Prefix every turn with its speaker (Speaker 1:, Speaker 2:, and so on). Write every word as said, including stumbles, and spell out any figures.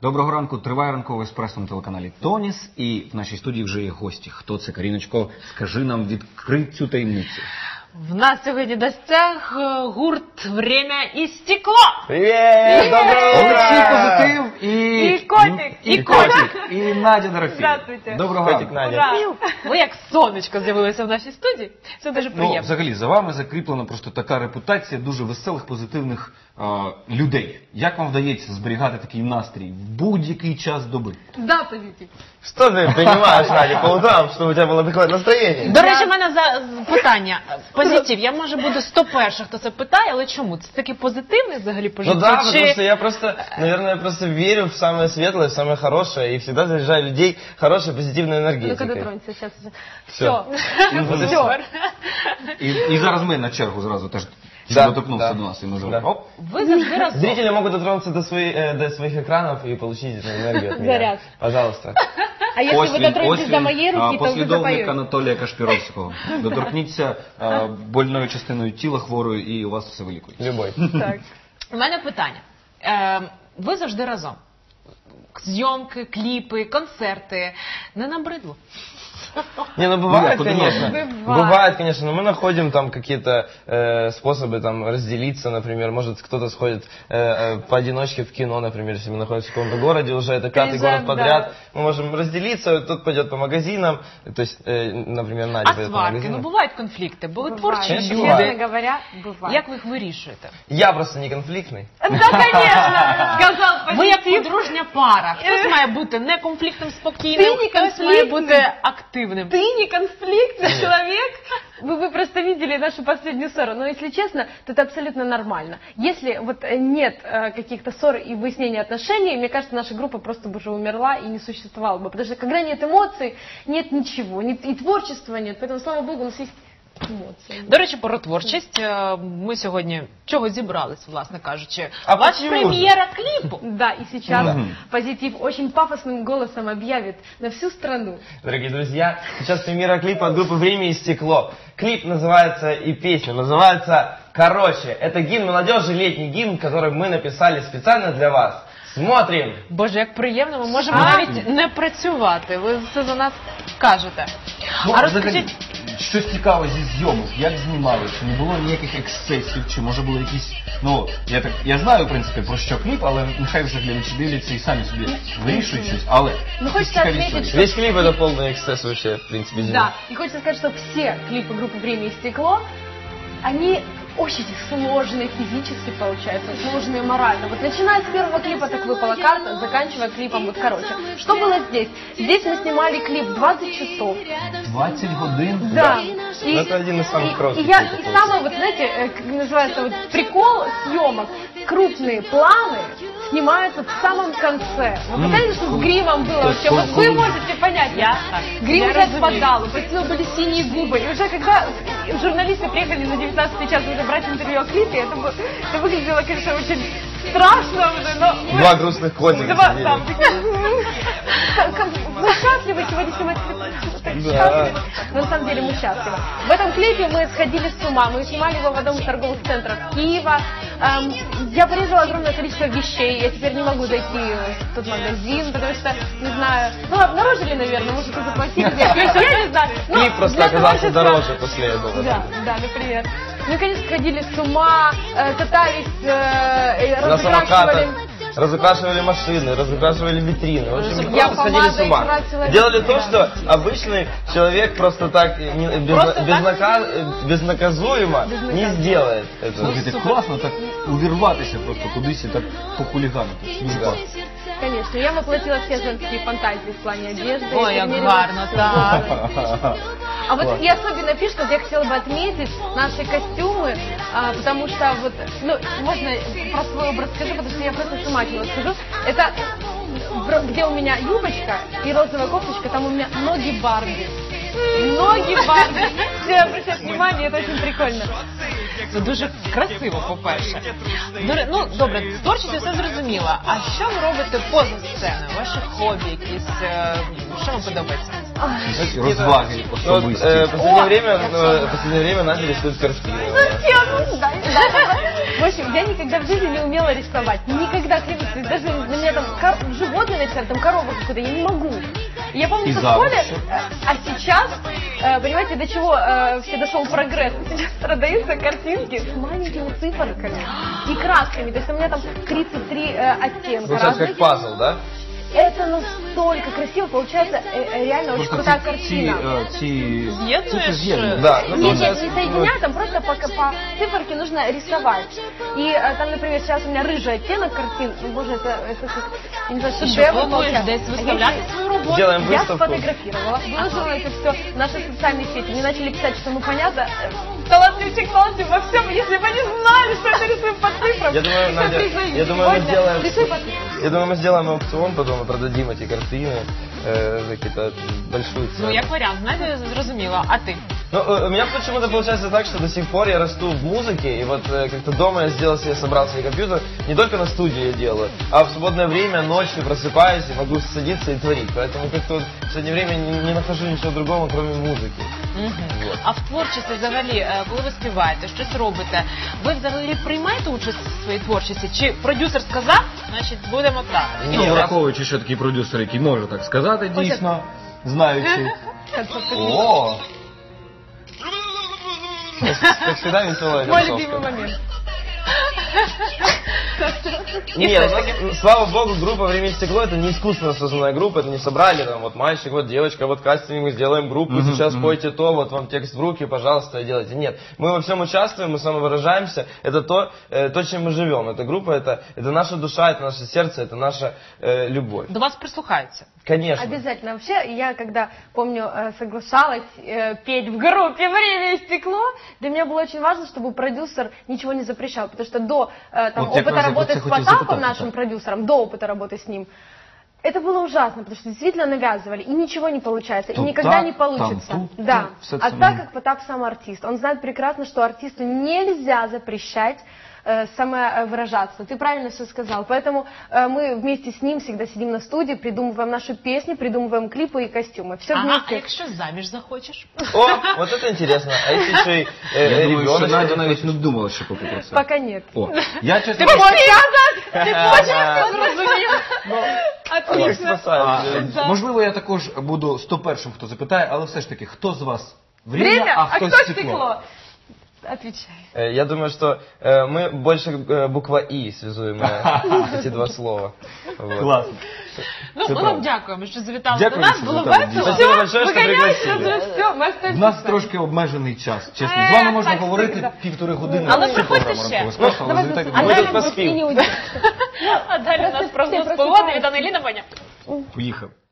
Speaker 1: Доброго ранку, триває ранковий еспресо на телеканалі Тоніс. І в нашій студії вже є гості. Хто це? Каріночко, скажи нам, відкрий цю таємницю.
Speaker 2: В нас сьогодні в гостях гурт «Время і стекло».
Speaker 3: Привіт! Доброго
Speaker 1: Олексій Позитив і...
Speaker 2: І Котик.
Speaker 1: І Котик. І Надя Дорофєєва.
Speaker 2: Здравствуйте.
Speaker 1: Доброго
Speaker 3: Котик,
Speaker 1: ранку.
Speaker 3: Надя.
Speaker 2: Ви як сонечко з'явилися в нашій студії. Це дуже
Speaker 1: Ну,
Speaker 2: приємно.
Speaker 1: взагалі, за вами закріплена просто така репутація дуже веселих, позитивних а, людей. Як вам вдається зберігати такий настрій в будь-який час доби?
Speaker 2: Да, позитив.
Speaker 3: Что ты принимаешь, Надя, по утрам, чтобы у тебя было такое настроение?
Speaker 2: До речі, в мене за питання. Позитив. Я, може, буду сто перших, хто це питає, але чому? Це таке позитивне взагалі по
Speaker 3: Ну
Speaker 2: життю?
Speaker 3: да,
Speaker 2: Чи-
Speaker 3: потому что я просто, наверное, я просто верю в самое светлое, в самое хорошее, и всегда заряжаю людей хорошей, позитивной
Speaker 4: Ну-ка
Speaker 3: энергетикой.
Speaker 4: дотронься, сейчас.
Speaker 3: Всё.
Speaker 4: Все.
Speaker 2: Супер.
Speaker 1: І, і зараз ми на чергу зразу теж
Speaker 3: Да,
Speaker 1: доторкнувся
Speaker 3: да.
Speaker 1: до нас. І ми
Speaker 3: Да.
Speaker 1: зробимо. Оп.
Speaker 2: Ви завжди разом.
Speaker 3: Зрители могут дотронуться до, свои- э, до своих экранов и получить эту энергию от меня.
Speaker 4: Заряд.
Speaker 3: Пожалуйста.
Speaker 4: А если вы дотронетесь до моей
Speaker 1: а,
Speaker 4: руки, то вы
Speaker 1: послідовник
Speaker 4: запоете.
Speaker 1: Анатолія Кашпіровського. Доторкніться а, больною частиною тіла хворої і у вас все вилікується.
Speaker 3: Любой.
Speaker 4: Так.
Speaker 2: У мене питання. Е, ви завжди разом. Зйомки, кліпи, концерти. Не набридло?
Speaker 3: Не, ну бывает,
Speaker 1: Нет,
Speaker 3: конечно.
Speaker 4: бывает.
Speaker 3: Бывает, конечно, но мы находим там какие-то э, способы там разделиться, например, может кто-то сходит э, э, поодиночке в кино, например, если мы находимся в каком-то городе, уже это пятый
Speaker 4: Приезжаем,
Speaker 3: город подряд, мы можем разделиться, тот пойдет по магазинам, то есть, э, например, Надя
Speaker 2: А
Speaker 3: пойдет по
Speaker 2: сварки? Ну,
Speaker 3: магазинам.
Speaker 2: бувають конфлікти, бо ви творчі
Speaker 3: Конечно,
Speaker 2: люди.
Speaker 3: буває.
Speaker 4: Честно говоря, бывает.
Speaker 2: Як ви їх вирішуєте?
Speaker 3: Я просто не конфликтный.
Speaker 4: Да, конечно, сказал
Speaker 2: Ви як
Speaker 4: позитив.
Speaker 2: подружня пара. Хтось має бути неконфліктним, спокійним,
Speaker 4: Ти не
Speaker 2: хтось має
Speaker 4: конфліктний.
Speaker 2: бути активним.
Speaker 4: Ты не конфликтный человек. Вы, вы просто видели нашу последнюю ссору. Но если честно, то это абсолютно нормально. Если вот э, нет э, каких-то ссор и выяснения отношений, мне кажется, наша группа просто бы уже умерла и не существовала бы. Потому что когда нет эмоций, нет ничего. Нет, и творчества нет. Поэтому, слава богу, у нас есть эмоции.
Speaker 2: До речі, про творчість. Е, Ми сьогодні чого зібрались, власне кажучи.
Speaker 3: А
Speaker 2: Ваша
Speaker 3: почему
Speaker 2: прем'єра кліпу.
Speaker 4: Да, и сейчас
Speaker 1: Мгм.
Speaker 4: позитив очень пафосным голосом объявит на всю страну.
Speaker 3: Дорогие друзья, сейчас премьера клипа от группы «Время и стекло». Клип называется и песня называется «Короче». Это гимн молодежи, летний гимн, который мы написали специально для вас. Смотрим!
Speaker 2: Боже, як приємно, ми можемо
Speaker 4: А.
Speaker 2: навіть не працювати. Ви все за нас кажете.
Speaker 1: Ну,
Speaker 2: А
Speaker 1: взагалі,
Speaker 2: розкажіть,
Speaker 1: щось цікаве зі зйомок, як знімали, чи не було ніяких ексцесів, чи може були якісь, ну, я так, я знаю, в принципі, про що кліп, але нехай вже глядачі дивляться і самі собі вирішують щось, але...
Speaker 4: Ну,
Speaker 1: якісь
Speaker 4: хочеться
Speaker 1: цікаві
Speaker 4: відмітити,
Speaker 1: історії.
Speaker 3: Весь клип это полный эксцесс вообще, в принципе, зимы.
Speaker 4: Да, и хочется сказать, что все клипы группы «Время и стекло», они очень сложные физически получаются, сложные морально. Вот начиная с первого клипа «Так выпала карта», заканчивая клипом вот «Короче». Что было здесь? Здесь мы снимали клип двадцать часов.
Speaker 1: двадцять годин?
Speaker 4: Да. И,
Speaker 3: Ну, это один из самых
Speaker 4: и-
Speaker 3: коротких
Speaker 4: и, я,
Speaker 3: клипов
Speaker 4: и
Speaker 3: получился.
Speaker 4: самое, вот знаете, э, как называется, вот прикол съемок, крупные планы снимаются в самом конце. Вы представляете, что с гримом было
Speaker 1: То есть
Speaker 4: вообще? Вот вы
Speaker 1: кон-
Speaker 4: можете понять.
Speaker 2: Я так.
Speaker 4: Грим
Speaker 2: Я
Speaker 4: уже
Speaker 2: разумею.
Speaker 4: отпадал, у Патина были синие губы. И уже когда журналисты приехали на девятнадцатый час уже брать интервью о клипе, это, бы- это выглядело, конечно, очень страшно уже, но мы...
Speaker 3: Два грустных котика
Speaker 4: Два,
Speaker 3: сидели.
Speaker 4: да, как- как- вы счастливы сегодня снимать клип? Вы так
Speaker 3: Да.
Speaker 4: счастливы. Но на самом деле мы счастливы. В этом клипе мы сходили с ума. Мы снимали его в одном из торговых центров Киева. Эм, я порезала огромное количество вещей. Я теперь не могу зайти в тот магазин, потому что, не знаю, ну обнаружили, наверное, может, и заплатили. Я не знаю. Но
Speaker 3: Клип просто
Speaker 4: для
Speaker 3: оказался
Speaker 4: творчества-
Speaker 3: дороже после этого.
Speaker 4: Да, да, например. Мы, конечно, сходили с ума, э, катались, э,
Speaker 3: На
Speaker 4: разукрашивали.
Speaker 3: самокатах разукрашивали машины, разукрашивали витрины. В общем,
Speaker 4: Я
Speaker 3: просто сходили с
Speaker 4: помадой
Speaker 3: ума.
Speaker 4: красила
Speaker 3: Делали
Speaker 4: витрины.
Speaker 3: то, что обычный человек просто так э, не- без-
Speaker 2: Просто так
Speaker 3: безнака- э, безнаказуемо не
Speaker 4: Безнаказуемо.
Speaker 3: сделает этого.
Speaker 1: Слухайте, класно так увірватися просто кудись і так похуліганити. Дуже
Speaker 3: Да.
Speaker 1: класно.
Speaker 4: Конечно, я воплотила все женские фантазии в плане одежды.
Speaker 2: Ой,
Speaker 4: Я
Speaker 2: як
Speaker 4: примерила
Speaker 2: гарно,
Speaker 4: всё.
Speaker 2: так.
Speaker 4: А вот
Speaker 1: Класс.
Speaker 4: и особенно пишут, вот я хотела бы отметить наши костюмы, а, потому что вот, ну, можно про свой образ скажу, потому что я просто с ума от него скажу. Это про- где у меня юбочка и розовая кофточка, там у меня ноги Барби. Ноги Барби. Все обращают внимание, это очень прикольно.
Speaker 2: Це дуже красиво, по-перше. До ре- Ну, добре, з творчістю все зрозуміло. А що ви робите поза сценою? Ваші хобі якісь, е, що вам подобається?
Speaker 1: Знаєте, розваги
Speaker 3: Вот,
Speaker 1: особисті.
Speaker 3: э, в последнее
Speaker 4: О,
Speaker 3: время,
Speaker 4: как
Speaker 3: э, в последнее время начали рисуют картины.
Speaker 4: Зачем? Ну, да, да. В общем, я никогда в жизни не умела рисовать. Никогда, клянусь, то есть даже на меня там кор- животные написали, там корова какую-то, я не могу. И я помню,
Speaker 1: И
Speaker 4: что в
Speaker 1: завуч.
Speaker 4: школе, э, а сейчас, э, понимаете, до чего э, все дошел прогресс. Сейчас продаются картинки с маленькими циферками и красками. То есть у меня там тридцать три э, оттенка
Speaker 3: Получается
Speaker 4: разных.
Speaker 3: как пазл, да?
Speaker 4: Это настолько красиво, получается э, э, реально очень
Speaker 1: Просто
Speaker 4: крутая
Speaker 1: ці, ці,
Speaker 4: картина.
Speaker 1: е, ці
Speaker 2: З'єднуєш,
Speaker 1: цифри з'єднують.
Speaker 3: Да, ну
Speaker 4: Нет, нет,
Speaker 3: получается...
Speaker 4: не соединять, там просто по, по циферке нужно рисовать. И э, там, например, сейчас у меня рыжий оттенок картин. Ну, боже, это, это как, я не знаю,
Speaker 2: Ти що,
Speaker 4: шедевр
Speaker 2: плануєш
Speaker 4: получается.
Speaker 2: десь
Speaker 4: А я
Speaker 2: виставляти
Speaker 4: еще-
Speaker 2: свою роботу?
Speaker 3: Сделаем
Speaker 4: Я
Speaker 3: выставку.
Speaker 4: сфотографировала, выложила это все в наши социальные сети. Мне начали писать, что ну понятно, э, талантливчик, талантлив во всем, если бы они знали, что это рисуем по цифрам.
Speaker 3: Я думаю,
Speaker 4: Всё
Speaker 3: Надя,
Speaker 4: признаю.
Speaker 3: я думаю, мы
Speaker 4: Сегодня
Speaker 3: сделаем...
Speaker 4: рисуй по цифрам.
Speaker 3: Я думаю, мы сделаем аукцион, потом и продадим эти картины э, за какие-то большую цену.
Speaker 2: Ну, як варіант, знаєте, зрозуміло. А ти?
Speaker 3: Ну, э, у меня почему-то получается так, что до сих пор я расту в музыке, и вот э, как-то дома я сделал себе, собрал себе компьютер, не только на студии я делаю, а в свободное время ночью просыпаюсь и могу садиться и творить. Поэтому как-то вот в последнее время не, не нахожу ничего другого, кроме музыки.
Speaker 2: Мгм.
Speaker 3: Вот.
Speaker 2: А в творчості взагалі, е, коли ви співаєте, щось робите, ви взагалі приймаєте участь в своїй творчості? Чи продюсер сказав, значить будемо так?
Speaker 3: Ні,
Speaker 1: Ну,
Speaker 3: раз-
Speaker 1: враховуючи, що такий продюсер, який може так сказати, дійсно, знаючи. О,
Speaker 3: Как всегда веселая
Speaker 4: Мой
Speaker 3: концовка.
Speaker 4: любимый момент.
Speaker 3: Нет, у нас, слава богу, группа «Время и стекло» — это не искусственно созданная группа, это не собрали там вот мальчик, вот девочка, вот кастинг, мы сделаем группу,
Speaker 1: Мгм,
Speaker 3: сейчас
Speaker 1: мгм.
Speaker 3: пойте то, вот вам текст в руки, пожалуйста, делайте. Нет, мы во всем участвуем, мы самовыражаемся, это то, э, то, чем мы живем. Эта группа, это, это наша душа, это наше сердце, это наша э, любовь.
Speaker 2: До вас прислухаються.
Speaker 3: Конечно.
Speaker 4: Обязательно. Вообще, я когда, помню, э, соглашалась э, петь в группе «Время и стекло», для меня было очень важно, чтобы продюсер ничего не запрещал, потому что до э, там,
Speaker 1: Вот я как
Speaker 4: опыта
Speaker 1: раз
Speaker 4: работы
Speaker 1: это
Speaker 4: с
Speaker 1: хотел
Speaker 4: Потапом,
Speaker 1: запытать,
Speaker 4: нашим
Speaker 1: да.
Speaker 4: продюсером, до опыта работы с ним, это было ужасно, потому что действительно навязывали, и ничего не получается,
Speaker 1: Тут
Speaker 4: и никогда
Speaker 1: так,
Speaker 4: не получится.
Speaker 1: там тут,
Speaker 4: да.
Speaker 1: ну, все
Speaker 4: А
Speaker 1: это,
Speaker 4: так
Speaker 1: ну.
Speaker 4: как Потап сам артист, он знает прекрасно, что артисту нельзя запрещать э, самовыражаться. Ты правильно все сказал. Поэтому э, мы вместе с ним всегда сидим на студии, придумываем наши песни, придумываем клипы и костюмы. Все
Speaker 2: Ага, а
Speaker 4: вместе.
Speaker 2: якщо заміж захочеш?
Speaker 3: О, вот это интересно. А если еще и э,
Speaker 1: я думаю, що
Speaker 3: ребеночек?
Speaker 1: Надя навіть не думала ще поки про це.
Speaker 4: Пока нет.
Speaker 1: О, я чесно...
Speaker 3: Как
Speaker 4: Отлично.
Speaker 3: спасает.
Speaker 1: А, можливо, я також буду сто першим, хто запитає, але все ж таки, хто з вас время,
Speaker 4: Время,
Speaker 1: а
Speaker 4: а
Speaker 1: хто
Speaker 4: кто
Speaker 1: стекло?
Speaker 4: стекло? Отвечай.
Speaker 3: Э, Я думаю, что э, мы больше э, буква «и» связуем э, эти два слова. Вот.
Speaker 1: Класно.
Speaker 2: Ну,
Speaker 1: Це
Speaker 2: ми
Speaker 1: правда.
Speaker 2: вам дякуємо, що завітали
Speaker 1: Дякую,
Speaker 2: до нас,
Speaker 1: що
Speaker 2: було
Speaker 1: завітали,
Speaker 2: весело.
Speaker 3: Спасибо большое, что
Speaker 4: Выгоняйся,
Speaker 3: пригласили.
Speaker 4: все, мы остаемся.
Speaker 1: У нас трошки обмежений час, чесно. З
Speaker 4: Е,
Speaker 1: вами можна
Speaker 4: так,
Speaker 1: говорити
Speaker 4: всегда.
Speaker 1: півтори години.
Speaker 2: Але
Speaker 1: всю
Speaker 2: приходьте
Speaker 1: програму
Speaker 2: ще.
Speaker 1: ранкового еспресо, але
Speaker 4: Давай,
Speaker 1: завітайте
Speaker 4: а
Speaker 1: до
Speaker 3: Ми
Speaker 1: нас.
Speaker 3: тут
Speaker 4: далее
Speaker 3: поспим.
Speaker 4: не уйдем.
Speaker 2: А далі у нас
Speaker 4: Просто
Speaker 2: прогноз
Speaker 4: ти
Speaker 2: погоди
Speaker 4: просипаєшся.
Speaker 2: від Ангеліни Боня.
Speaker 1: Поїхав.